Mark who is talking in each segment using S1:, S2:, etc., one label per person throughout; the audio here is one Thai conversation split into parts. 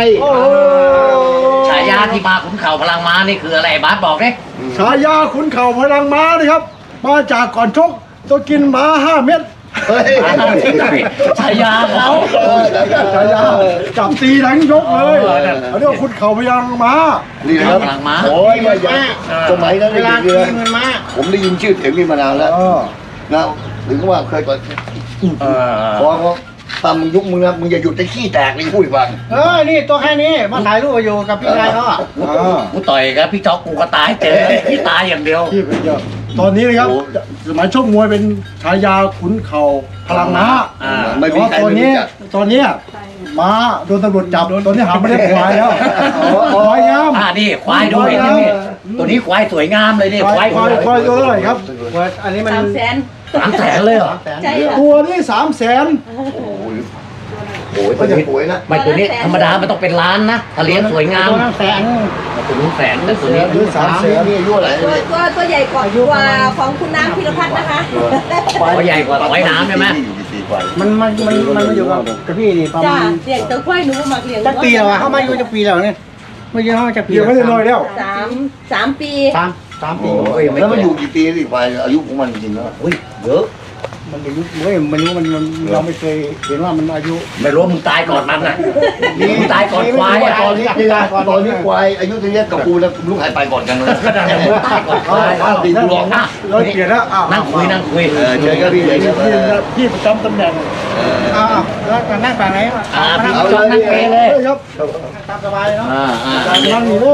S1: ฉายาที่มาขุนเข่าพลังม้านี่คืออะไรบาสบอกดิ
S2: ฉายาขุนเข่าพลังม้านะครับมาจากก่อนชกต้องกินม้า5 เม็ด
S1: ฉายาเขา
S2: ฉายาจับตีทั้งยกเลยเขาเรียกว่าขุนเข่าพลังม้า
S3: นี่นะครับ
S1: พลังม้า
S3: โอ้ยมาจากสมัยนั้นเลยผมได้ยินชื่อเสียงนี้มานานแล้วนะถึงว่าเคยก่อนพอตามมึงยุคมึงนะมึงอย่าหยุดจะขี้แตกเลยพูดอีกว่า
S4: นี่ตัวแค่นี้มาถ่ายรูปอยู่กับพี่ชายเขาอ่ะ
S1: กูต่อยกับพี่จ๊อกกูก็ตายเจอพี่ตายอย่างเดียว
S2: ที่เป็นเยอะตอนนี้นะครับสมัยชกมวยเป็นฉายาขุนเข่าพลังม้า
S3: ไม่
S2: แต่
S3: มี
S2: ว่า
S3: ใคร
S2: ตอน
S3: ไม่
S2: นี้
S3: รู้จัก
S2: ตอนนี้ม้าโดนตำรวจจับตอนนี้หาไม่ได้ควายแล้วควายงาม
S1: นี่ควายด้วยนี่ตัวนี้ควายสวยงามเลยนี่ควาย
S2: ควายตัวเท่าไหร่ครับ
S4: อันนี้มัน
S1: 300,000เลยเหรอ
S5: ใช่ค่ะ
S2: ตัวนี้300,000
S3: โอ้ยก็จะป่วยนะ
S1: ไม่ตัวนี้ธรรมดามันต้องเป็นล้านนะถ้าเลี้ยงสวยงาม
S4: ตัวนั้นแสน
S1: ตัวนู้นแสนแต่ตัวนี้
S2: หรือ300,000
S3: นี่อายุอะไร
S5: ตัวใหญ่กว่าของคุณน้ำพิรพัฒน์นะคะ
S1: ควายใหญ่กว่าควายน้ำใช่ไหม
S3: อยู่กี่ปีกว่า
S4: มันมาอยู่กับพี่นี่ประ
S5: จ้า
S4: มาณ
S5: เลี้ยงตัวควายหนูมาเลี้ยง
S4: จักปีแล้วอ่ะเขามาอยู่จักปีแล้วเนี่ยไม่ใช่เขาจักปี
S2: เดี๋ยวไม่ได้น้อยแล้ว
S5: 3 ปี
S4: สามปี
S3: แล้วมันอยู่กี่ปีนี่ควายอายุของมันจริงๆแล้ว
S1: อุ้ยเยอะ
S4: มันอายุไม่รู้มันเราไม่เคยเห็นว่ามันอายุ
S1: ไม่รู้มึงตายก่อนมันนะมึงตายก่อนควาย
S3: ตอนนี้ควายอายุเท่านี้กับกูแล้วลูกหายไปก่อนกันเลย
S1: มึงตายก่อนควาย
S3: ตีกูร้องนะ
S2: เราเปลี่ยนแล้ว
S1: นั่งคุย
S3: เจอกันพี่เลย
S2: พี่ประจำตำแหน่ง
S4: แล้วนั่งฝั่งไหน
S1: พี่จอนนั่งเปเลย
S2: ครับ
S4: ตามสบายเลยเนาะ
S2: นั่งนี่เลย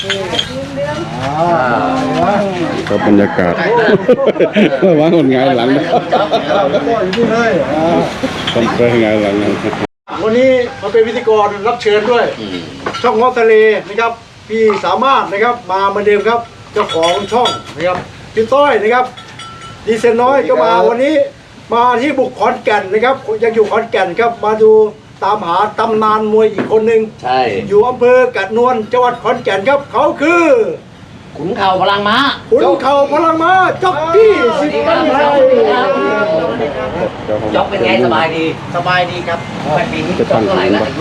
S6: ก็บรรยากาศ ว่างคนงายหลังนะ
S2: แล้วก็อยู่นี่เลย
S6: ต้องเคยงายหลังนะ
S2: วันนี้มาเป็นพิธีกรรับเชิญด้วย ช่องงอทะเลนะครับพี่สามารถนะครับมาเหมือนเดิมครับเจ้าของช่องนะครับพี่ต้อยนะครับดีเซนน้อยก็มาวันนี้มาที่บุกขอนแก่นนะครับยังอยู่ขอนแก่นครับมาดูตามหาตำนานมวยอีกคนหนึ่ง
S1: ใช่
S2: อยู่อำเภอกาดนวลจังหวัดขอนแก่นครับเขาคือ
S1: ขุนเข่าพลังม้า
S2: ขุนเข่าพลังม้าจ็อกกี้สิทธิ์กันไทย
S1: จ๊อกเป็นไงสบายดี
S4: สบายดีครับ
S1: ไปปีนี้จ๊อกเท่าไหร่แล้วอายุ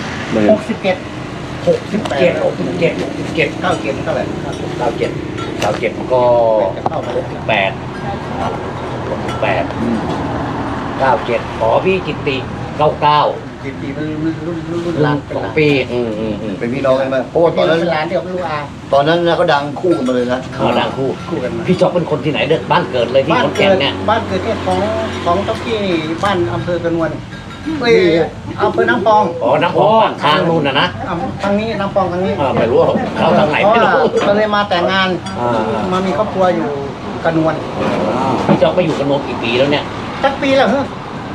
S4: 61
S1: 67
S4: เข้าเก็บเท่าไหร่
S1: 97ก็
S4: เข้ามาเลย
S1: 97ขอพี่จิตติ99
S4: กี่ปีมันรุ่น
S1: หลัง2 ปี
S3: เป็นพี่น้องกันไหมเพราะว่าตอนนั้น
S4: เป็นร้านเดียวกับลูกอา
S3: ตอนนั้นนะก็ดังคู่กันมาเลยนะ
S1: เขาดังคู่
S4: คู่กันมา
S1: พี่จ๊อกเป็นคนที่ไหนเด้อบ้านเกิดเลยที่ขอนแก่นเนี่ย
S4: บ้านเกิดที่ของเจ้าที่บ้านอำเภอกระนวลอำเภอน้ำปอง
S1: อ๋อน้ำพองทางนู่นนะ
S4: ทางนี้น้ำปองทางนี้
S1: ไม่รู้เขาทางไหนไม่รู้
S4: ก็เลยมาแต่งงานมามีครอบครัวอยู่กระนวล
S1: พี่จ๊อกไปอยู่กับโนมกี่ปีแล้วเนี่ย
S4: สักปีแล้วเหรอ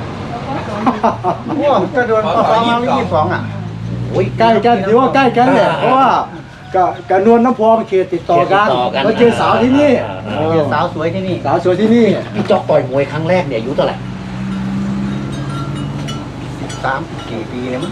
S4: ว้าวจะโดนปอมาไม่22อ่ะ
S2: ใกล้กันถือว่าใกล้กันแหละเพราะว่ากับนวลน้ำพองเขตติดต่อกันมาเจอสาวที่นี่
S4: เจอสาวสวยที่นี่
S2: สาวสวยที่นี่
S1: พี่จ๊อกต่อยมวยครั้งแรกเนี่ยอายุเท่าไหร่
S4: 3-4 ปีเนี่ยมั้ง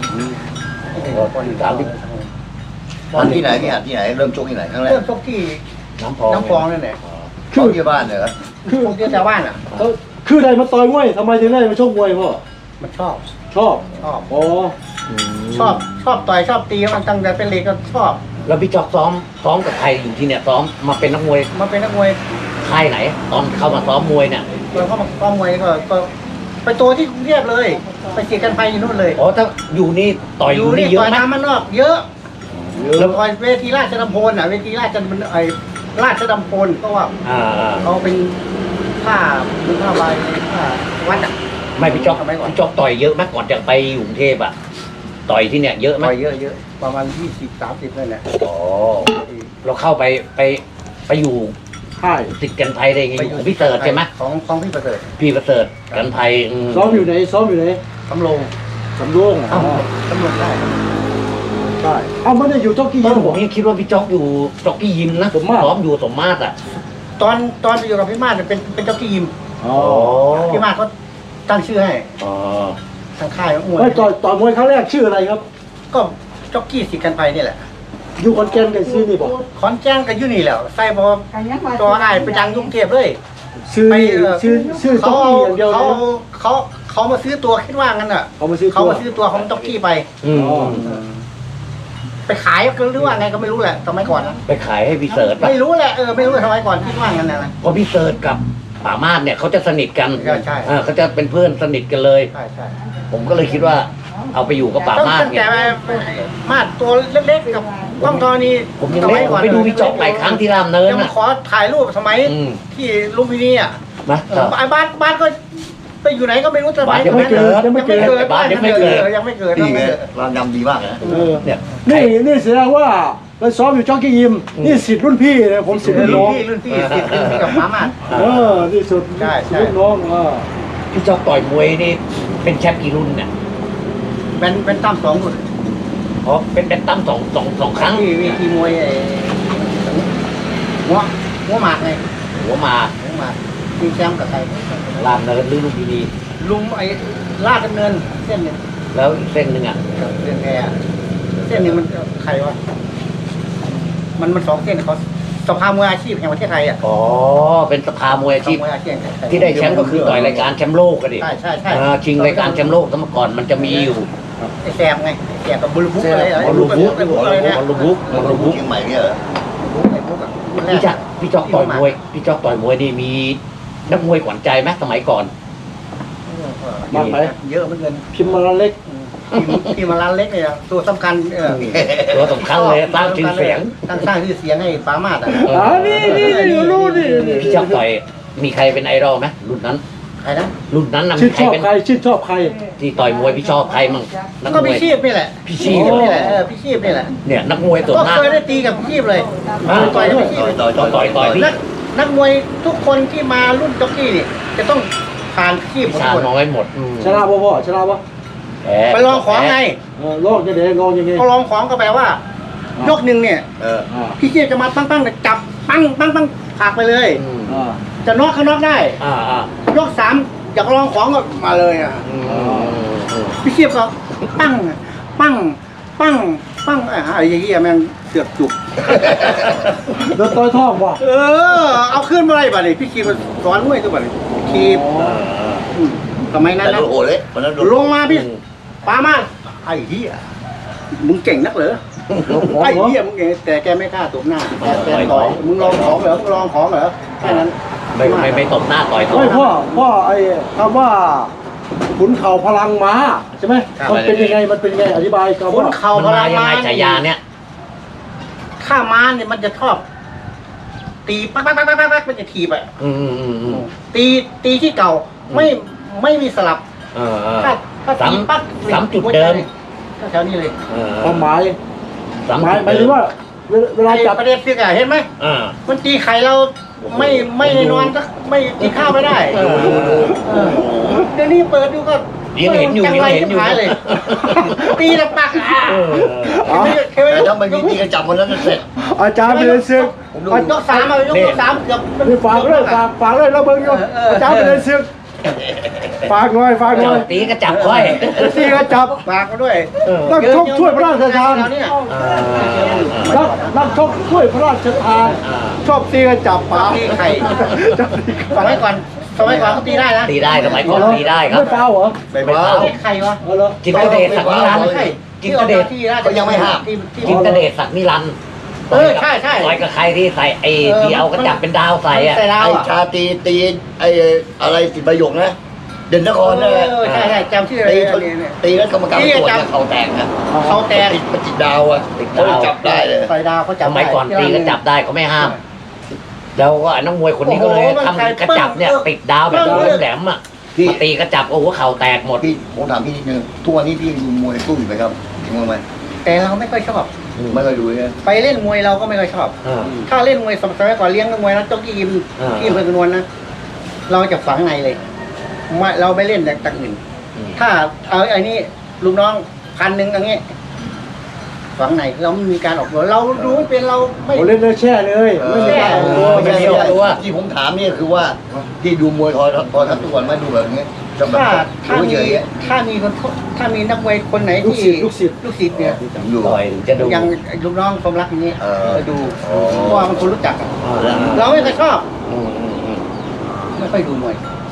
S3: ตอนที่ไหนที่ไหนเริ่มชกที่ไหนครั้งแรก
S4: เริ่มชกที่
S1: น้ำพอง
S4: น้ำปองนั่นแหละ
S3: ชกที่บ้านเหรอ
S2: คือ
S4: พวกที่ชาวบ้านอ่ะ
S2: เขาคือใดมาต่อยมวยทำไมถึงได้มาชกมวยพ่อ
S4: มันชอบ
S2: ชอบอ๋อ
S4: ชอบต่อยชอบตีมันตั้งแต่เป็นเด็กก็ชอบ
S1: แล้วพี่จ๊อกซ้อมกับใครอยู่ที่เนี่ยซ้อมมาเป็นนักมวย
S4: มาเป็นนักมวย
S1: ค่ายไหน ตอนเข้ามาซ้อมมวยเนี่ย
S4: เราเข้ามาซ้อมมวยก็ไปตัวที่กรุงเทพเลย ไปเกียรกันไฟอยู่นู่นเลย
S1: อ๋อถ้าอยู่นี่ต่อยอยู่นี่เย
S4: ต่
S1: อะ
S4: อย
S1: ไหม
S4: น้ำมันนอกเยอะแล้วต่อยเวทีราชดำพลอ่ะเวทีราชดำพลเพราะว่า เขาเป็นผ้าใบผ้าวัดอ่ะ
S1: ไม่พี่จ๊อก
S4: ทำไมก่อน
S1: พี่จ๊อกต่อยเยอะไหมก่อนจะไปอยู่กรุงเทพอ่ะต่อยที่เนี่ยเยอะไหม
S4: ต่อยเยอะประมาณ20-30นั่นแหละ
S1: อ๋อเราเข้าไปอยู่
S2: ค่าย
S1: ติดกันไทยได้ไงอยู่ของพี่เติร์ดใช่ไหม
S4: ของพี่ประเสริฐ
S1: พี่ประเสริฐกันไทย
S2: ซ้อมอยู่ไหนซ้อมอยู่ไหน
S4: สำโรง
S2: สำโรงอ๋อ
S4: ตำรวจได้
S2: ใช่เอ้าไม่ได้อยู่จ็อกกี้
S1: ตอ
S2: ยิ
S1: น
S2: ม
S1: ผมยังคิดว่าพี่จ๊อกอยู่จ็อกกี้ยิมนะ
S2: สมมาตร
S1: ซ้อมอยู่สมมาตรอ่ะ
S4: ตอนไปอยู่กับพี่มาศเนี่ยเป็นเจ้าที่ยิม
S2: อ๋อ
S4: พี่มาศเขาตั้งชื่อให้
S1: อ๋อ
S4: ทางค่ายของมวย
S2: ไม่ต่อยมวยครั้งแรกชื่ออะไรครับ
S4: ก็จ็อกกี้สิกันไฟนี่แหละ
S2: อยู่ขอนแก่นกันซื้อนี่บอก
S4: ขอนแก่นก็อยู่นี่แหล้วใส่บอตัวอ้ายไปดังกรุงเทพเลย
S2: ซื้อ
S4: ไป
S2: ซื้อจ็อกกี้อย่างเดียวเลยนะ
S4: เขามาซื้อตัวคิดว่างั้นอ่ะ
S2: เขามาซื้อ
S4: เขา
S2: ตัว
S4: มาซื้อตัวของจ็อกกี้ไป
S1: อืม
S2: อ๋อ
S4: ไปขายหรือว่าไงก็ไม่รู้แหละสมัยก่อนนะ
S1: ไปขายให้พี่เสิร์ชป่ะ
S4: ไม่รู้แหละไม่รู้สมัยก่อนคิดว่างั้นนะ
S1: เพราะพี่เสิร์ชกับป่ามาสเนี่ยเขาจะสนิทกัน
S4: ใช่
S1: เขาจะเป็นเพื่อนสนิทกันเลย
S4: ใช่ใช่
S1: ผมก็เลยคิดว่าเอาไปอยู่กับป่ามาส
S4: ตั้ง
S1: ไง
S4: แต่มาดตัวเล็กๆกับกล้องทอนี
S1: ผมยังเล็กผมไปดูพี่จ๊อกหลายครั้งที่รามเนิน
S4: ยังมา
S1: อ่ะ
S4: ขอถ่ายรูปสมัย
S1: อืม
S4: ที่ลุมพินีอ่ะ
S1: นะ
S4: ไอ้บ้านก็ไปอยู่ไหนก็ไม่รู้สมัย
S1: บ้านยังไม่เกิด
S4: ยังไม่เกิด
S1: บ้านยังไม่เกิด
S4: ยังไม่เกิด
S3: นี่ไงร้านยำดีมากนะ
S1: เนี่ย
S2: นี่แสดงว่าไปซ้อมอยู่จ็อกกี้ยิมนี่สิทธิ์รุ่นพี่นะผมสิทธิ์รุ่นน้อง
S4: รุ่นพี่ติดกับหมามาด
S2: นี่สุด
S4: ใช่
S2: สิทธิ์รุ่นน้อง
S1: พี่จ๊อกต่อยมวยนี่เป็นแชมป์กี่รุ่นเนี่ย
S4: เป็นตั้มสองรุ่น
S1: อ๋อเป็นตั้มสองครั้ง
S4: ที่วีทีมวยหัวหมากไง
S1: หัวมา
S4: หัวหมากมีแชมป์กับใคร
S1: รามเนินหรือลุมพินี
S4: ลุงไอ้ลาดดำเนินเส้นหนึ่ง
S1: แล้วอีกเส้นหนึ่งอ่ะ
S4: เรื่องแพรเส้นหนึ่งมันใครวะมันสองเส้นเขาสภามวยอาชีพแห่งประเทศไทยอ่ะ
S1: อ๋อเป็นสภามวยอาชีพ
S4: สภามวยอาชีพแห่งประเทศไทย
S1: ที่ได้แชมป์ก็คือต่อยรายการแชมป์โลกกันดิ
S4: ใช่ใช่ใช่
S1: ชิงรายการแชมป์โลกสมัยก่อนมันจะมีอยู่
S4: ไอ้แซมไงไอ้แซมกับบุลบุ๊กอะไร
S1: บอลลูบุ๊ก
S4: ไอ้บุ๊กอะไรเนี่ย
S1: บอลลูบุ๊กบอลลูบุ๊ก
S3: เชียงใหม่เนี่ยเหรอ
S4: ไอ้บุ๊กอะรุ่นแร
S1: พี่จ๊อกต่อยมวยพี่จ๊อกต่อยมวยนี่มีนักมวยขวัญใจไหมสมัยก่อน
S2: มากไหม
S4: เยอะเหมือนกัน
S2: พิมพ์มาเล็ก
S4: พี่มาร้านเล็กเนี่ยตัวสำคัญ
S1: ตัวสำคัญเลยสร้างชื่อเสียง
S4: สร้างชื่อเสียงให้ฟ้ามาดอ่ะ
S2: นี่รู้นี่
S1: พี่จ๊อกต่อยมีใครเป็นไอดอลไหมรุ่นนั้น
S4: ใครนะ
S1: รุ่นนั้นน่ะ
S2: ชื่
S1: มี
S2: น
S1: ใค
S2: ช
S1: ร
S2: อบ
S1: เป็น
S2: ใครชื่นชอบใคร
S1: ที่ต่อยมวยพี่ชอบใครมั่งนัก
S4: ก็
S1: มว
S4: พี่
S1: ย
S4: ชีพนี่แหละ
S1: พี่ชีพ
S4: นี่แหละพี่ชีพนี่แหละ
S1: เนี่ยนักมวยส่วน
S4: ก็
S1: มาก
S4: เคยได้ตีกับพี่ชีพเลยต่อยกับพี่ชีพ
S1: ต่อยพี่
S4: นักมวยทุกคนที่มารุ่นจ็อกกี้นี่จะต้องผ่านพี่ชีพหมด
S1: ชา
S4: ทุกคน
S1: น้อยหมด
S2: ชนะบ่พ่อชนะบ่
S4: ไปลองของไง
S2: ลองยังไงลองยังไง
S4: เขาลองของก็แปลว่า ยกหนึ่งเนี่ย พี่ชีพจะมาปั้งเนี่ยจับปั้งผลักไปเลย จะน็อกก็น็อกได้ ยก3อยากลองของก็มาเลยอ่ะพี่ชีพก็ปั้งไอ้เหี้ยแม่งเสือกจุก
S2: โดนต่อยท้องบ่
S4: เอาขึ้นมาเลยบ่เนี่ยพี่ชีพสอนมวยตัวบ่เนี่ยชีพสมัยนั้น
S3: แต่
S4: นะ
S3: โดนโอเลยวันนั้นโดน
S4: ลงมาพี่ปามาไอ้เหี้ยมึงเก่งนักเหรอไอ้เหี้ยมึงเก่งแต่แกไม่กล้าตบหน้าแกต่อยมึงลองของเหรอแค่นั้น
S1: ไม่ตบหน้าต่อยตัว
S2: ไม่พ่อไอ้คำว่าขุนเข่าพลังม้าใช่ไหมมันเป็นยังไงอธิบายคำ
S4: คุ
S2: ว่า
S4: ณเข่า
S1: มัน
S4: พลั
S1: มาง ยังไง
S4: ม้า
S1: ฉายาเนี่ย
S4: ถ้าม้าเนี่ยมันจะชอบตีปักมันจะถีบอ่ะตีที่เก่าไม่มีสลับถ้าตีปัก
S1: ซ้ำจุดเดิม
S4: ก็แถวนี้เลย
S2: ความหมาย
S1: ซ้ำ
S2: หมาย
S1: จุด
S2: ถึงว่าเวลาจับ
S4: ประเด็นคือไงเห็นไหมมันตีไข่เราไม่นอนก็ไม่กินข้าวไม่ได้เดี๋ยวนี้เปิดดูก็
S1: ยังเห็นอยู่
S4: เลยตีแล้วปัก
S3: แต่ถ้ามันมีตีกระจับวันนั้นเสร็จ
S2: อาจารย์เป็นศึก
S4: ยก3เอายก3เกือบ
S2: นี่ฝากเลยแล้วเบิ่งอยู่อาจารย์เป็นศึกฝากหน่อย
S1: ตีก็จับค่อย
S2: ตีก็จับ
S4: ฝากมาด้วย
S2: นักชกช่วยพระราชทานนักชกช่วยพระราชทานชอบตีก็จับป๋า
S4: ตีไข่สมัยก่อนก็ตีได้นะ
S1: ตีได้สมัยก่อนตีได้ครับ
S2: ไม่เปล่าเหรอ
S3: ไปบ้า
S4: ตีไข่วะ
S1: จิตเดชศักดิ์นิรันดร์จิตเดช
S3: เขายังไม่ห้าม
S1: จิตเดชศักดิ์นิรันดร์
S4: ใช่
S1: ต่อยกับใครที่ใส่ไอ้ที่เอากระจับเป็นดาวใส่อะ
S4: ใส่ดาว
S3: ไอ้
S4: อ่ะ
S3: ชาตีไอ้อะไรสิบประโยคนะเด่นนครนั่นแหละ
S4: ใช่จำชื่ออะไร
S3: ตีแล้วกรรมการตรวจเนี่ยเขาแตกนะ
S4: เขาแตก
S3: ติดประจิตดาวอ่ะจับได้เลย
S4: ใส่ดาวเขา
S1: ส
S4: จับ
S1: มัยก่อนตีก็จับได้เขาไม่ห้าม แล้วก็นักมวยคนนี้ก็เลยทำกระจับเนี่ยติดดาวแบบแหลมๆอ่ะมาตีกระจับโอ้โหเข่าแตกหมด
S3: พี่ผมถามพี่นิดนึงทุกวันนี้พี่ดูมวยตู้อยู่ไหมครับจริงไหม
S4: แต่เราไม่ค่อยชอบ
S3: ไม่เคยดูเลย
S4: ไปเล่นมวยเราก็ไม่ค่อยชอบ ถ้าเล่นมวยสมัยก่อนเลี้ยงมวยนะจ้องที่ยิมที่เพื่อนนวลนะเราจะฝังในเลยเราไม่เล่นแต่อื่นถ้าเอาไอ้นี่ลูกน้อง1,000อย่างเงี้ยฝังในเราไม่มีการออกตัวเราดูไม่เป็นเราไม่
S2: เล่นเลยแช่เลยไม่มีการออกตัว
S1: ไม่มีออกตัว
S3: ที่ผมถามนี่คือว่าที่ดูมวยทอทัศน์ทุกวันไม่ดูแบบนี้จะแบบ
S4: ถ้ามีนักมวยคนไหนที่ลูกศิษย์เนี่ย
S3: อยู่
S1: ต่อยจะดู
S4: อย่างลูกน้องสมรักอย่างนี้ดูเพราะว่ามันคนรู้จักเราไม่เคยชอบไม่ค่อยดูมวย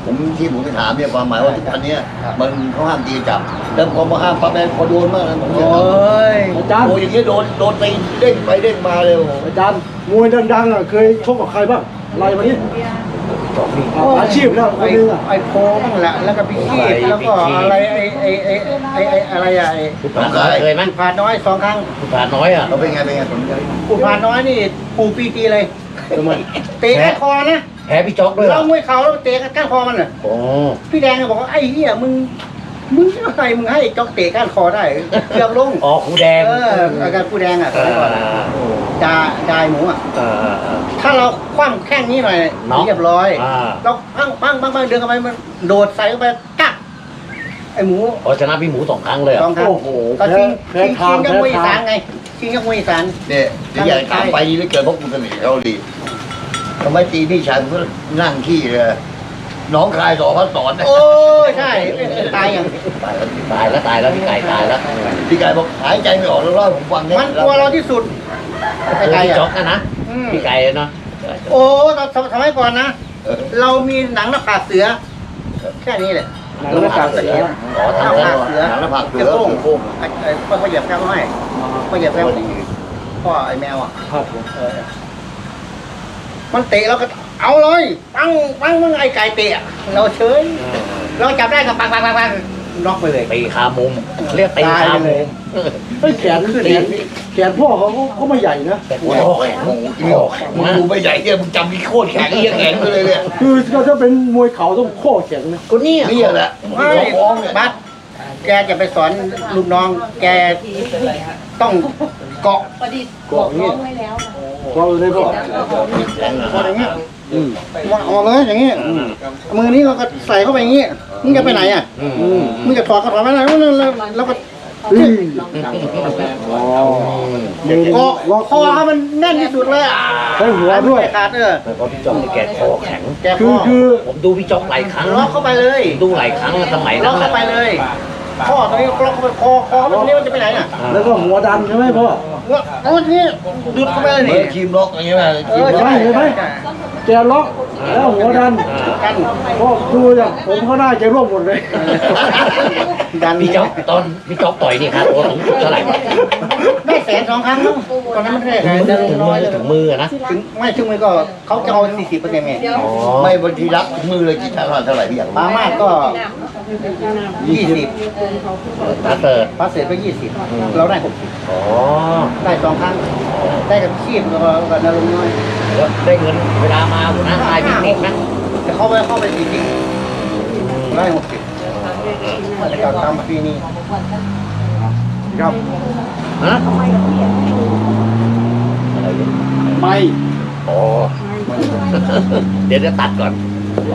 S3: ผมที่ผมไปถามเนี่ยความหมายว่าทุกวันเนี้ยมันเขาห้ามตีจับแล้วพอมาห้ามปั๊บแม่พอโดนมากนะผม
S4: โอ้ย
S2: อาจารย์
S3: โอ้ยอย่างเงี้ยโดนตีเด้งไปเด้งมาเลยโอ้โห
S2: อาจารย์มวยดังๆอ่ะเคยชกกับใครบ้างไล่มานี่อาชีพแล้วคนนึงอ่ะ
S4: ไอ้โพบ้างแหละแล้วก็พิคีตแล้วก็อะไรไอ้อะไรอะไอ้
S1: คุณผ่านน้อยเคยไหม
S4: ผ่านน้อย2 ครั้ง
S1: คุณผ่านน้อยอ่ะ
S3: เราเป็นไงผมจะ
S4: ผู้ผ่านน้อยนี่ปูปีตีเลย
S2: ทำไม
S4: เตะก้านคอนะ
S1: แพ้พี่จ๊อกด้วยเหร
S4: เรา
S1: อ
S4: มวยเข่าแล้วเตะก้านคอมันน่ะ
S1: โอ้
S4: พี่แดงก็บอกว่าไอ้เหี้ยมึงอะไรมึงให้จ๊อกเตะก้านคอได้เกือบลง
S1: อ๋อครูแดง
S4: อาการผู้แดงอ่ะสมัยก่อนอะดายหมูอ่ะ
S1: เออ
S4: ถ้าเราคว่ำแข้งนี้หน่อย
S1: เนาะ
S4: เรียบร้อย
S1: อ่า
S4: เราปังเดินเข้าไปมันโดดใส่เข้าไปกักไอ้หมู
S1: อ๋อชนะพี่หมู2 ครั้งเลยเหร
S4: ส
S1: อ่ะ
S4: องครั้ง
S2: โอ้โห
S4: ก็ชิง
S2: แพ้
S4: ชิง
S2: ทาง
S4: กับมวยอี
S2: แพ้
S4: สา
S2: ทาน ง
S4: ไงชิงกับมวยอีสาน
S3: เนี่ยเดี๋ยวอยากตามไปนี่เหลือเกินเพราะกูเสน่ห์เขาดีทำไมตีพี่ชายก็นั่งขี้เลยน้องคายสอนเขาสอน
S4: โอ้ยใช่ตายอย่าง
S1: ตายแล้วพี่ไก่ตายแล้ว
S3: พี่กายบอกหายใจไม่ออกแล้วเล่าให้ผมฟังเนี่ย
S4: มันกลัวเราที่สุดไอ้
S1: คือ
S4: ไก่
S1: พี่จ๊อ
S4: อะ
S1: กนะพี่ไก่เนาะ
S4: โอ้สมัยก่อนนะ เรามีหนังหน้าผากเสือ แค่นี้แหละ
S2: หนังหน้าผากเสือ
S1: อ๋อ
S4: หน้า
S1: ทำแล้ว
S4: ผากเสือ
S3: หนังหน้าผากเสือ
S4: จะโป้ง
S3: โป้ง
S4: ไอ้พ่อเหยียบแก้วให้พ่อเหยียบแก้วพ่อไอ้แมวอ่ะ
S2: ครับผม
S4: มันเตะเราก็เอาเลยปังมึงไอ้ไก่เตะเราเฉยเราจับได้ก็ปังน็อกไปเลย
S1: ตีคามุมเรียกตีคามุม
S2: เฮ้ยแขนพ่อเขาไม่ใหญ่นะ
S1: โอ้โหแข็ง
S3: โอ้โหมึงดูไม่ใหญ่เนี่ยมึงจำมีโคตรแข็งเอี้ยแข็งไปเลยเนี่ย
S2: คือก็จะเป็นมวยเข่าต้องข้อแข็งนะ
S1: ก็เนี่ย
S3: นี่แหละ
S4: ไม่
S3: ฟ้องเนี่ย
S4: บัสแกจะไปสอนลูกน้อง แกต้องเกาะ
S5: ประดิษฐ์บอกน้องไว้แล้วนะ
S2: เราเลยพ่อ
S4: พออย่างเงี้ยวางออกเลยอย่างเงี้ยมือนี้เราก็ใส่เข้าไปอย่างเงี้ยมึงจะไปไหนอ่ะมึงจะถอดก็ถอดไม่ได้แล้วก็
S2: มือ
S4: เกาะ
S2: ล็อก
S4: คอให้มันแน่นที่สุดเลยอ่ะ
S2: ใช้หัวด้วย
S4: ไม่ขาด
S1: แล้วก็พี่จ๊อกนี่แกคอแข็ง
S4: แกค
S2: คือ
S4: อ
S2: คือ
S1: ผมดูพี่จ๊อกหลายครั้ง
S4: ล็อกเข้าไปเลย
S1: ดูหลายครั้งสมัย
S4: ล็
S1: นั้
S4: อก
S1: น
S4: เข้าไปเลยข้อตรงนี้ล็อกเข้าไปคอตรงนี้มันจะไปไหนน่ะ
S2: แล้วก็หัวดันใช่ไหมพ่อ
S4: โอ้นี่ดุดเข้าไปเลย
S3: เหมื
S4: นี่
S3: อนครีมล็อกอย่างเงี้ยนะครีมล็อก
S2: ใช่เห็นไหมแกล็อกแล้วหัวดัน
S4: กัน
S2: พ่อดูอย่างผมเขาหน้าแกร่วงหมดเลย
S4: ดัน
S1: พี่จ๊อกตอนพี่จ๊อกต่อยนี่ครับตัวสูงสุดเท่าไหร่
S4: ได้100,000 ครั้งมั้งตอนนั้นมันได้
S1: ถึงมือถึงมือนะ
S4: ถึงไม่ถึงมือก็เขาจะเอา40%ไง
S1: อ๋อ
S3: ไม่บางทีรับมือเลยคิดเท่าไหร่พี่อยากรู้
S4: ปามาก็20
S1: ถ้าเติร์ด
S4: พาเสร็จก็20เราได้60
S1: อ๋อ
S4: ได้2 ครั้งได้กับชีพแล้วก็นรงค์น้อย
S1: แล้วได้เงินเวลามาหัวหน้าคายพี่ติ๊กนะ
S4: แต่เข้าไป40ได้60แล้วก็ตามปีนี้
S2: ครับ
S1: ฮะ
S2: ไม่
S1: อ๋อเดี๋ยวจะตัดก่อน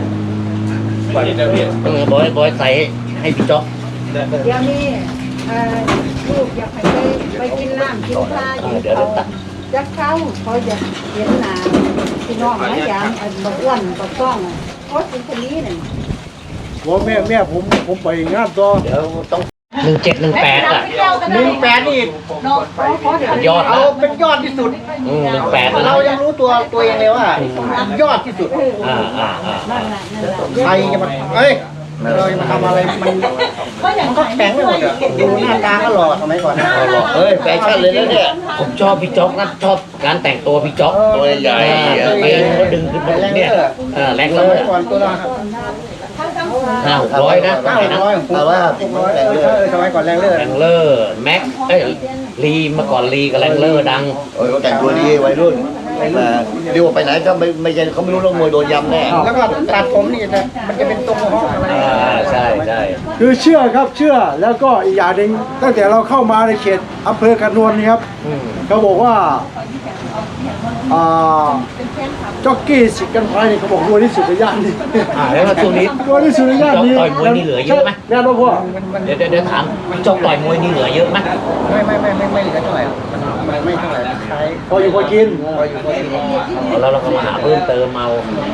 S1: บอยใส่ให้พี่จ๊อก
S5: เดี๋ยวนี้ลูกอยากไปกินน้ำกินข้าวอยู่เขาจะเข้าเขาจะเห็นหนาพี่น้องนะอย่างบักอ้วนบักต้องโคตรเป็นคนนี้เนี่ย
S2: หัวแม่ผมไปงานต่อ
S1: เดี๋ยวต้อง1718อ่ะ
S4: 18นี่
S5: เนาะเพราะเดี๋ยวย
S1: อด
S4: เอา
S1: นะ
S4: เป็นยอดที่สุด
S1: 18นะ
S4: เรายังรู้ตัวเองเลยว่ายอดที่สุด
S5: นั่นแหละ
S4: ใครจะมาเอ้ยเราจะมาทำอะไรมันก็แข็งไปหมดอ่ะดูหน้าตาก็หล่อสมัยก่อนนะ
S3: เฮ้ยแฟชั่นเลยนะเนี่ย
S1: ผมชอบพี่จ๊อกนะชอบการแต่งตัวพี่จ๊อก
S3: ตัวใหญ่
S1: ไปเขาดึงขึ้นมาเนี่ยแรง
S4: ส
S1: เล
S4: มั
S1: ย
S4: ยก่อนตัวละ
S1: 500นะ
S4: 500 600สมัยก่อนแรงเลือด
S1: แรงเลอร์แม็กลีมาก่อนลีกับแรงเลอร์ดัง
S3: โอ้ยเขาแต่งตัวดีวัยรุ่นมาเรียกว่าไปไหนก็ไม่ใช่เขาไม่รู้เรื่องมวยโดนยำแน่
S4: แล้วก็ตัดผมนี่มันจะเป็นตรงห้องอะไร
S1: ใช่ใช่
S2: คือเชื่อครับเชื่อแล้วก็อีกอย่างหนึ่งตั้งแต่เราเข้ามาในเขตอำเภอกระนวลนี่ครับเขาบอกว่าจ็อกกี้สิกันไฟนี่เขาบอกรวยที่สุดในย่านนี้
S1: แล้วช่วงนี้
S2: รวยที่สุดในย่านนี้
S1: จ๊อกต่อยมวยนี่เหลือเยอะไหม
S2: แน่นอนพ่อ
S1: เดี๋ยวถามพี่จ๊อกต่อยมวยนี่เหลือเยอะไหม
S4: ไม่เหลือเท่าไหร่มันไม่เท่าไหร่ใช้
S2: พออยู่พอกิน
S4: พออยู่พอกิน
S1: แล้วเราก็มาหาเพิ่มเติมเอา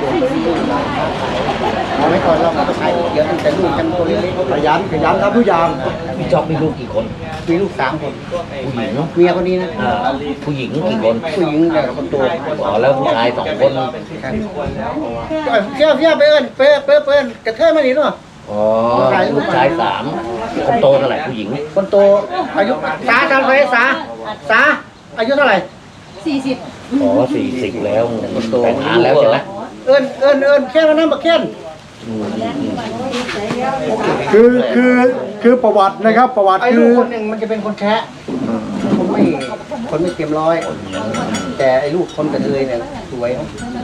S4: ไม่ก่อนเราก็ใช้เยอะตั้งแต่ลูกกันตัวเล็ก
S2: ขยันทำทุกอย่าง
S1: พี่จ๊อบมีลูกกี่คน
S4: ๆมีลูก3 คน
S1: ผู้หญิงเนาะ
S4: เมียคนนี้นะ
S1: ผู้หญิงกี่คน
S4: ผู้หญิงเนี่ยคนโต
S1: อ๋อแล้วผู้ชาย2 คน
S4: เชี่ยวไปเอิญกระเทยมาดิเนาะ
S1: อ๋อลูกชาย3คนโตเท่าไหร่ผู้หญิง
S4: คนโตอายุสาทำไปสาอายุเท่าไหร่
S1: อ๋อ40แล้วแต่งงานแล้วใช่ไหม
S4: เอิญแค่นั้นบักแค่
S2: คือประวัตินะครับประวัติ
S4: ไอ้
S2: คื
S4: ลูก
S2: อ
S4: คนหนึ่งมันจะเป็นคนแคะคนไม่เต็มร้อย แต่ไอ้ลูกคนกระเทยเนี่ยสวย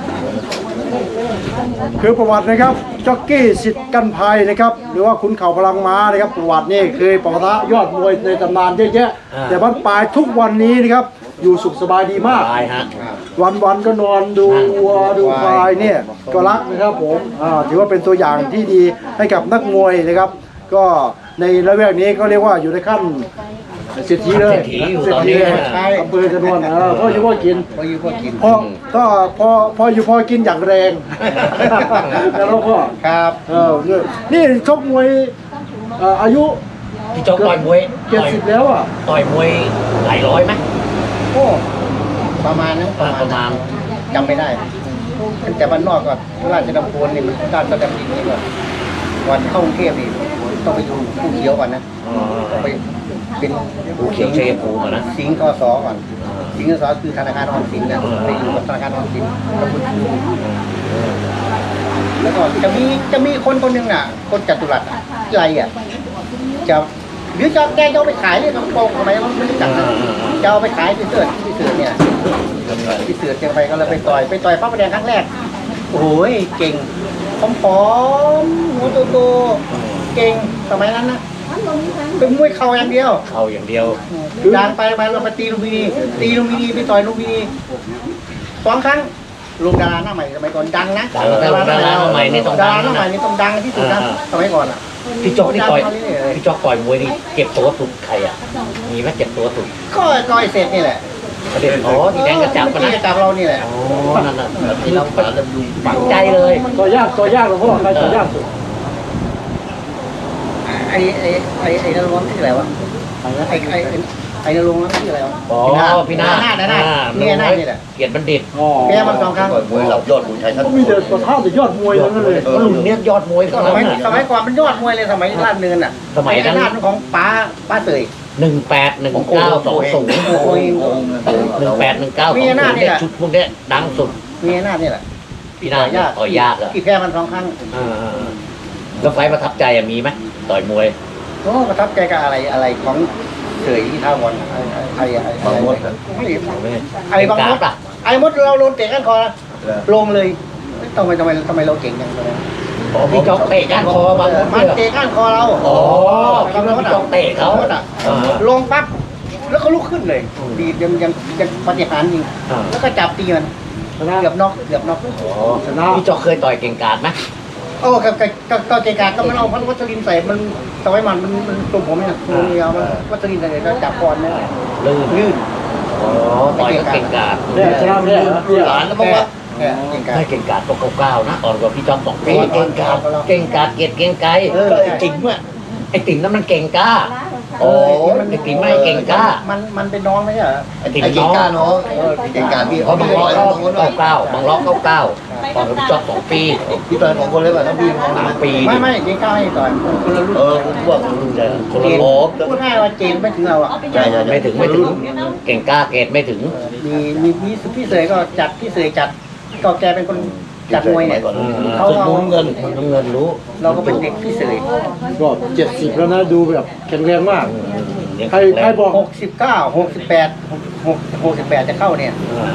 S2: คือประวัตินะครับจ็อกกี้สิทธิ์กันภัยนะครับหรือว่าขุนเข่าพลังม้านะครับประวัตินี่เคยปะทะยอดมวยในตำนานเยอะแยะแต่บ้านปลายทุกวันนี้นะครับอยู่สุขสบายดีมาก
S1: ตายฮะ
S2: วันก็นอนดูวัวดูควายเนี่ยก็รักนะครับผมถือว่าเป็นตัวอย่างที่ดีให้กับนักมวยนะครับ ก็ในระแวกนี้ก็เรียกว่าอยู่ในขั้นเศรษฐีเลย
S1: เศรษฐีอยู่ตอนนี้
S2: ใช่อำเภอกระนวนพ่ออยู่พ่อกิน
S4: พออยู่พอกิน
S2: พออยู่พอกินอย่างแรง แล้วก็
S4: ครับ
S2: นี่ชกมวยอายุ
S1: พี่จ๊อบต่อยมวย
S2: 70แล้วอ่ะ
S1: ต่อยมวยหลายร้อยไหม
S4: โอ้ประมาณนั้น
S1: ประมาณ
S4: จำไม่ได้แต่บ้านนอกก็ราชดำเนินนี่มันด้านสแตมป์ดินนี่ก็วันเข้ากรุงเทพนี่ต้องไปดูผู้เขียวก่อนนะต้องไปเป็น
S1: ผู้เขียวเชยภูมิอะนะ
S4: สิงห์กสก่อนสิงห์กสคือธนาคารออมสินนะไปอยู่กับธนาคารออมสินแล้วก็จะมีคนหนึ่งน่ะ คนจัตุรัสไรอ่ะจะหรือจะแกจะเอาไปขายเนี่ยต้องโกงทำไมมันไม่รู้จักนะจะเอาไปขายที่เสือเนี่ยที่เสือเชียงไปก็เลยไปต่อยพระประแดงครั้งแรกโอ้ยเก่งผอมๆหัวโตๆเก่งสมัยนั้นนะเป็นมวยเข่าอย่างเดียว
S1: เข้าอย่างเดียว
S4: ดังไปเราไปตีลุมพินีไปต่อยลุมพินี2 ครั้งลุงดาราหน้าใหม่สมัยก่อนดังนะ
S1: ดังแต่ดาราหน้าใหม่นี่ต้องดัง
S4: ดาราหน้าใหม่นี่ต้องดังที่สุดนะสมัยก่อนอ่ะ
S1: พี่จ๊อบนี่ต่อยพี่จ๊อบต่อยมวยนี่เก็บตัวสุดใครอ่ะมีไหมเก็บตัวสุด
S4: ก็ต่อยเสร็จนี่แหละ
S1: ประเด็นอ๋อที่แดงกระจับปะ
S4: ที่
S1: นะ
S4: จะจับเรานี่แหละ
S1: อ๋อนั่นน่ะที่เราฝังใจเลย
S2: ต่อยากหลวงพ่อใครต่อยากสุด
S4: ไอ้นรงค์ชื่ออะไรวะไอ้นรงค์นั่นชื่ออะไรวะ
S1: อ๋อพี่นา
S4: เนี่ยนานี่แหละ
S1: เกียรติบัณฑิต
S4: แพ้มัน2 ครั้ง
S3: มวยหลับยอดมวยไทยท่าน
S2: ก็มีแต่ประท่าแต่ยอดมวยทั้งนั้นเลย
S1: รุ่นเนี้ยยอดมวยทั้ง
S4: ส
S1: นั้น
S4: มัย
S1: น่ะ
S4: สมัยก่อนมันยอดมวยเลยสมัยลาดเนินอ่ะ
S1: สมัยนั้น
S4: ลาดของป้าเตย
S1: 181920
S4: มีหน้านี่แหละ
S1: ชุดพวกเนี้ยดังสุด
S4: มีหน้านี่แหละ
S1: พี่นาต่อยยากอ่ะ
S4: ที่แพ้มัน2 ครั้ง
S1: แล้วไฟประทับใจมีไหมต่อยมวย
S4: โอ้ประทับใจกับอะไรของเสยที่ท่าวันบางมดไอ้บางมด
S1: อ่ะ
S4: ไอ้มดเราโดนเตะก้านคอนะลงเลยทำไมเราเก่งจังเลย
S1: พี่จ๊อกเตะก้านคอบางมด
S4: มัน
S1: เลย
S4: เตะก้านคอเรา
S1: อ๋อคิดว่าพี่จ๊อกเตะเขา
S4: ลงปั๊บแล้วเขาลุกขึ้นเลยดียังปฏิหารจริงแล้วก็จับตีมันเกือบน็อก
S1: พี่จ๊อกเคยต่อยเก่งกาจไหม
S4: โอ้ก็เกกาก็มันเอาพันวัชรินใส่มันสมัยมันตัวผมเนี่ยตัวเดียวมันวัชรินใส่แล้วจับก่อนเนี่ย
S1: ลื่นอ๋อต่อยก็เก่งกาจ
S2: เนี่ยชนะไม่ได้เหรอ
S1: หลานแล้วบอกว่า
S4: เก่งกา
S1: ได้เก่งกาจก็9นะอ่อนกว่าพี่จ๊อก2 ปีเก่งกาจเกียรติเก่งไกลไอ้ติ๋มอ่ะไอ้ติ๋มนั้นมันเก่งกล้าโอ้ไอ้ติ๋มไม่เก่งกล้า
S4: มันเป็นน้องไม่ใช่เหรอ
S1: ไอ้ติ๋ม
S3: ไอ้เก่
S1: น้
S3: ง
S1: อง
S3: กล้าเนาะเก่งกล้าพี่
S1: เพราะบางล้อ99บางล้อ99ตอนกับพี่จ๊อก2 ปี
S3: พี่ต่อย2 คนเลยป่ะทั้งพี่น้อง
S1: 3 ปี
S4: ไม่เก่งกล้าให้ต่อยคนละรุ่น
S3: ผมว่าคนรุ่นใหญ่
S1: คนละโล
S4: พูดง่ายว่าเจนไม่ถึงเราอ่ะ
S3: ใช่
S1: ไม่ถึงเก่งกล้าเกรดไม่ถึง
S4: มีพี่เสยก็จัดพี่เสยจัดก็แกเป็นคนจัดมวยเนี่ย
S1: เขาเอาน้ำเงินรู้
S4: เราก็เป็นเด็กพี่เสย
S2: ก็70แล้วนะดูแบบแข็งแรงมากใครบอก
S4: 69 68จะเข้าเนี่ย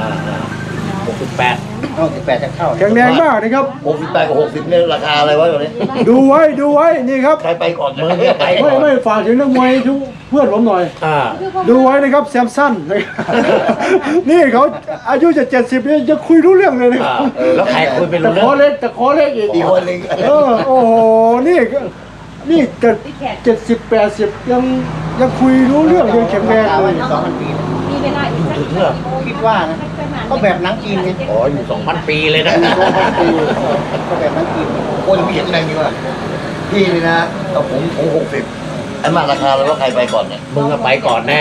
S1: 68
S4: 68จะเข้า
S2: แข็งแรงมากนะครับ
S3: 68กับ60เนี่ยราคาอะไรวะตอนนี้
S2: ดูไว้นี่ครับ
S3: ใครไปก่อน
S1: มือเนี่ยไปก่อน
S2: ไม่ฝากถึงนักมวยทุกเพื่อนผมหน่อย ดูไว้นะครับแซมสันนะครับนี่เขาอายุจะ70เนี่ยจะคุยรู้เรื่องเลยนะ
S1: แล้วใครคุยเป็น
S2: แต่
S1: รู้
S2: ขอ
S1: เรื่อง
S2: เล็กอีก
S3: อีกคนหนึ่ง
S2: โอ้โหนี่เกิด70 80ยังคุยรู้เรื่องยังแข็งแรงเลย
S4: 2,000 ปี
S1: ถึงเหรอ
S4: คิดว่านะก็แบบหนังจีนไง
S1: อ๋ออยู่2,000 ปีเลยนะ
S4: ก็แบบหนังจีน
S3: โอ้ยพี่เห็นแรงดีว่ะพี่นี่นะเอาผม60ไอ้มาราคาแล้วว่าใครไปก่อนเนี่ย
S1: มึงอะไปก่อนแน่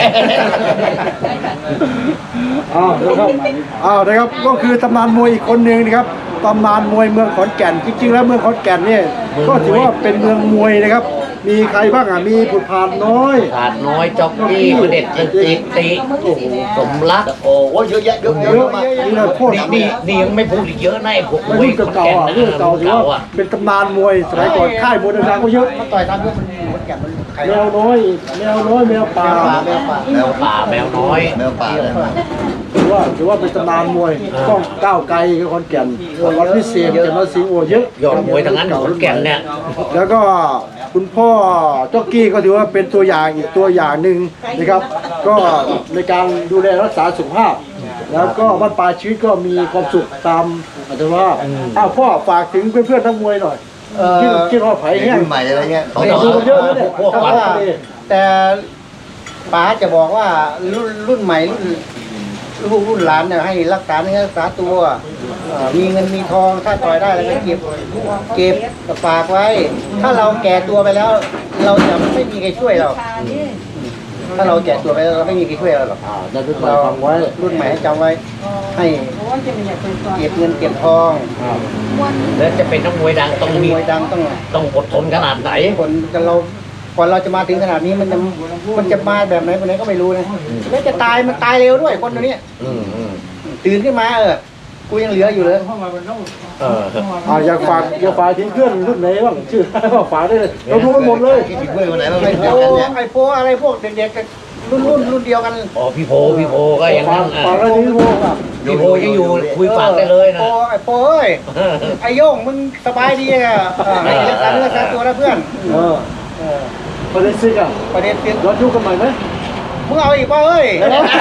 S2: นะครับก็คือตำนานมวยอีกคนหนึ่งนะครับตำนานมวยเมืองขอนแก่นจริงๆแล้วเมืองขอนแก่นเนี่ยก็ถือว่าเป็นเมืองมวยนะครับ มีใครบ้างอ่ะมีผุดพานน้อย
S1: ขาดน้อยจ็อกกี้ประเด็ดตึกติติสมรัก
S3: โอ้ยเยอะแยะเยอะ
S2: เย
S3: เย
S2: อะ
S3: อะมาก
S2: นี่นะพวก
S1: นี่ยังไม่พูดอีกเยอะนะไอ้พวก
S2: รุ่นเก่าๆอ่ะรุ่นเก่าถือว่าเป็นตำนานมวยสมัยก่อนค่ายมวยดังๆก็เยอะ
S4: มันต่อยตามเรื่องมันหมดแก่มันใคร
S2: แมวน้อยแมวป่า
S4: แมวป่า
S1: แมวป่าแมวน้อย
S3: แมวป่าเลย
S2: ถือว่าเป็นตำนานมวยต้องก้าวไกลกับขอนแก่นวัดพิเศษจันทร์สิงห์โอเยอะ
S1: ยอดมวยทั้งนั้นขอนแก่นเนี่ย
S2: แล้วก็คุณพ่อจ็อกกี้ก็ถือว่าเป็นตัวอย่างอีกตัวอย่างหนึ่งนะครับ ก็ในการดูแลรักษาสุขภาพ แล้วก็บ้านปลายชีวิตก็มีความสุขตามอัตภาพพ่อฝากถึงเพื่อนๆนักมวยหน่อยที่รอไผ่
S3: ไอ้
S2: เนี่ย
S3: รุ่นใหม่อะไรเงี้ย
S2: แต่ดูเยอะนะเนี่ย
S1: พวกวัด
S4: แต่ป๋าจะบอกว่ารุ่นใหม่รุ่นหลานเนี่ยให้รักษาเนื้อรักษาตัวมีเงินมีทองถ้าต่อยได้แล้วก็เก็บฝากไว้ ถ้าเราแก่ตัวไปแล้ว เราจะไม่มีใครช่วยเรา ถ้าเราแก่ตัวไปแล้วเราไม่มีใครช่วยเราหรอก
S2: จะเป็นมาฟังไว้
S4: รุ่นใหม่ให้จำไว้ ให้เก็บเงินเก็บทอง
S1: แล้วจะเป็นนักมวยดังต้อง
S4: เป็น
S1: มี
S4: มวยดังต้อง
S1: ต้องอดทนขนาดไหน
S4: คนเราก่อนเราจะมาถึงขนาดนี้มันจะมาแบบไหนคนไหนก็ไม่รู้นะแล้วจะตายมันตายเร็วด้วยคนตัวนี้
S1: อืม
S4: ตื่นขึ้นมากูยังเหลืออยู่เลย
S2: อยากฝากถึงเพื่อนรุ่นไหนบ้างชื่อฝากได้เลยเราดูกันหมดเลย
S3: คิดถึงเพื่อนคนไหนบ้างไหม
S4: ไอ้
S3: เดียว
S4: โป
S3: กันเนี่ย
S4: ไอ้โปอะไรพวกเด็กๆกันรุ่นเดียวกัน
S1: อ๋อพี่โพก็อย่างนั้น
S2: ฝากอะไรถึงพวก
S1: พี่โพยังอยู่คุยฝากได้เลยนะ
S4: ไอ้โปเอ้ยไอ้โย่งมึงสบายดีอ่ะให้รักษาเนื้อรักษาตัวนะเพื่อน
S2: ประเด็นซิกอ่ะ
S4: ประเด็นเปลี่ยน
S2: ย้อนยุคกันใหม่ไหม
S4: มึงเอาอีกป่ะเอ้ย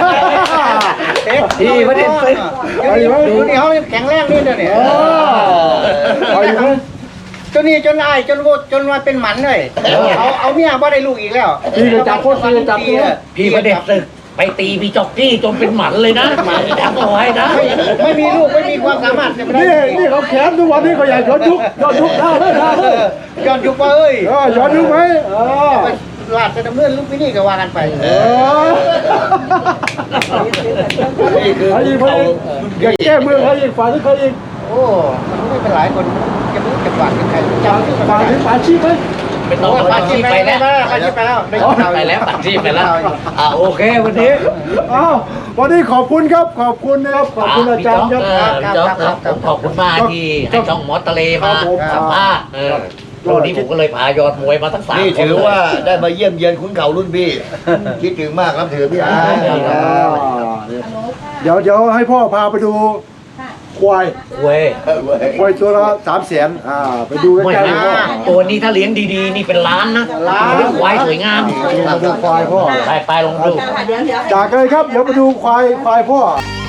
S1: ที่ประเด็นซิก
S4: ดูนี่เขาแข็งแรงนี่เดี๋ยวนี้
S2: เอาอยู่ไหม
S4: จนนี่จนไอ้จนมาเป็นหมันเลยเอาเมียบ่ได้ลูกอีกแล้ว
S2: พี่ก็จับโคตรพี่จับตัว
S1: พี่ประเด็นตึกไปตีพี่จ็อกกี้จนเป็นหมันเลยนะจำเอาไว้นะ
S4: ไม่มีลูกไม่มีความสามารถจะไม่ได้
S2: นี่เขาแขนทุกวันนี้เขาอยากย้อนยุคท่าเลยท่าเลย
S4: ย้อนยุคป่ะเอ้ย
S2: ย้อนยุคไหม
S4: ลาดจะดำเนินลูกพี่นี่ก็ว่ากันไป
S3: นี่คือ
S2: เขายิงเขายิงอยากแก้มือเขายิงฝ่ายที่เขายิง
S4: โอ้มันไม่เป็นหลายคนจะรู้จะฝากถึงใครจำชื่อ
S2: ฝ่ายถึงฝ่ายชีพไหม
S1: เป็นน้องปาชีพไปแล้ว
S4: ปาชีพไปแล้ว
S1: ไปแล้วปาชีพไปแล้วโอเควันนี้
S2: วันนี้ขอบคุณครับขอบคุณนะครับขอบคุณอาจารย์ครับ
S1: ผมขอบคุณมากที่ให้ช่องหมอทะเลมาสัมภาษณ์วันนี้ผมก็เลยพายอดมวยมาทั้ง3
S3: นี่
S1: คน
S3: ถือว่าได้มาเยี่ยมเยียนขุนเข่ารุ่นพี่ คิดถึงมากครับถือพี่อา
S2: เดี๋ยวให้พ่อพาไปดูควาย
S1: เว้ย
S2: ควายตัวละ300,000ไปดูใก
S1: ไม่
S2: ล้
S1: ไม่
S2: ๆพ่อ
S1: ตัวนี้ถ้าเลี้ยงดีๆนี่เป็นล้านนะควายสวยงาม
S2: มาดูควายพ่อ
S1: ไปลองดู
S5: เดี๋ยว
S2: จากเลยครับเดี๋ยวมาดูควายพ่อ